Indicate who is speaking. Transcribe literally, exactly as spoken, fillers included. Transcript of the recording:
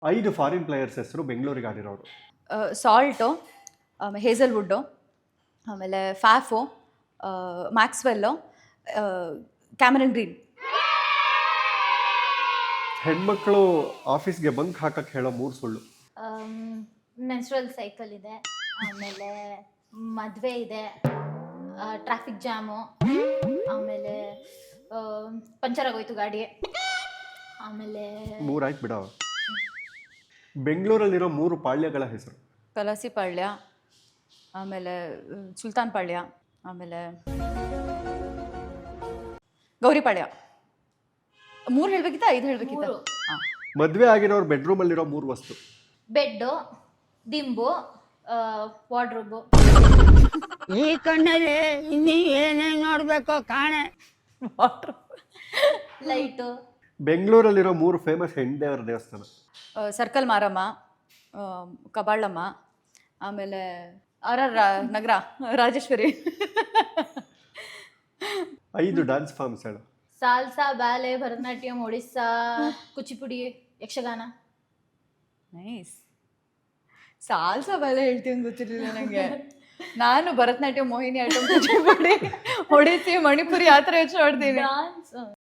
Speaker 1: ಐದು foreign players ಹೆಸರು ಬೆಂಗಳೂರಿಗೆ ಆಡಿರೋರು.
Speaker 2: ಸಾಲ್ಟು, ಆಮೇಲೆ ಹೇಸಲ್ವುಡ್ಡು, ಆಮೇಲೆ ಫ್ಯಾಫು, ಮ್ಯಾಕ್ಸ್ವೆಲ್ಲು, ಕ್ಯಾಮರನ್ ಗ್ರೀನ್.
Speaker 1: ಹೆಣ್ಮಕ್ಳು ಆಫೀಸ್ಗೆ ಬಂಕ್ ಹಾಕಕ್ಕೆ ಹೇಳೋ ಮೂರು ಸುಳ್ಳು.
Speaker 3: ಮೆನ್ಸ್ಟ್ರಲ್ ಸೈಕಲ್ ಇದೆ, ಆಮೇಲೆ ಮದುವೆ ಇದೆ, ಟ್ರಾಫಿಕ್ ಜಾಮು, ಆಮೇಲೆ ಪಂಚರ್ ಆಗೋಯ್ತು ಗಾಡಿ, ಆಮೇಲೆ
Speaker 1: ಮೂರಾಯ್ತು ಬಿಡ. ಬೆಂಗಳೂರಲ್ಲಿರೋ ಮೂರು ಪಾಳ್ಯಗಳ ಹೆಸರು.
Speaker 2: ಕಲಾಸಿ ಪಾಳ್ಯ, ಆಮೇಲೆ ಸುಲ್ತಾನ್ ಪಾಳ್ಯ, ಆಮೇಲೆ ಗೌರಿ ಪಾಳ್ಯ. ಮೂರು ಹೇಳ್ಬೇಕಿತ್ತ ಐದು ಹೇಳ್ಬೇಕಿತ್ತ?
Speaker 3: ಮೂರು.
Speaker 2: ಹಾಂ.
Speaker 1: ಮದುವೆ ಆಗಿರೋರು ಬೆಡ್ರೂಮಲ್ಲಿರೋ ಮೂರು ವಸ್ತು.
Speaker 3: ಬೆಡ್ಡು, ದಿಂಬು, ವಾರ್ಡ್ರೋಬು.
Speaker 4: ಈ ಕಣ್ಣಲ್ಲಿ ಇನ್ನೀ ಏನೇನು ನೋಡ್ಬೇಕೋ ಕಾಣೆ.
Speaker 2: Water,
Speaker 3: light.
Speaker 1: ಬೆಂಗಳೂರಲ್ಲಿರೋ ಮೂರು ಫೇಮಸ್ ಹೆಣ್ದೇವರ ದೇವಸ್ಥಾನ.
Speaker 2: ಸರ್ಕಲ್ ಮಾರಮ್ಮ, ಕಬಾಳಮ್ಮ, ಆಮೇಲೆ ಆರ್ ಆರ್ ನಗರ ರಾಜೇಶ್ವರಿ.
Speaker 1: ಐದು ಡ್ಯಾನ್ಸ್ ಫಾರ್ಮ್ಸ್ ಹೇಳು.
Speaker 3: Salsa, ballet, Bharatanatyam, Odissa, Kuchipudi, Yakshagana.
Speaker 2: Nice. Salsa ballet ಹೇಳ್ತೀವಿ ಅಂತ ಗೊತ್ತಿರಲಿಲ್ಲ ನನಗೆ. ನಾನು ಭರತನಾಟ್ಯ, ಮೋಹಿನಿ ಆಟಂ, ಕುಚಿಪುಡಿ, ಒಡಿಸ್ಸಿ, ಮಣಿಪುರಿ ಆ ಥರ ಯೋಚನೆ ಮಾಡ್ತೀನಿ.
Speaker 3: ಡಾನ್ಸ್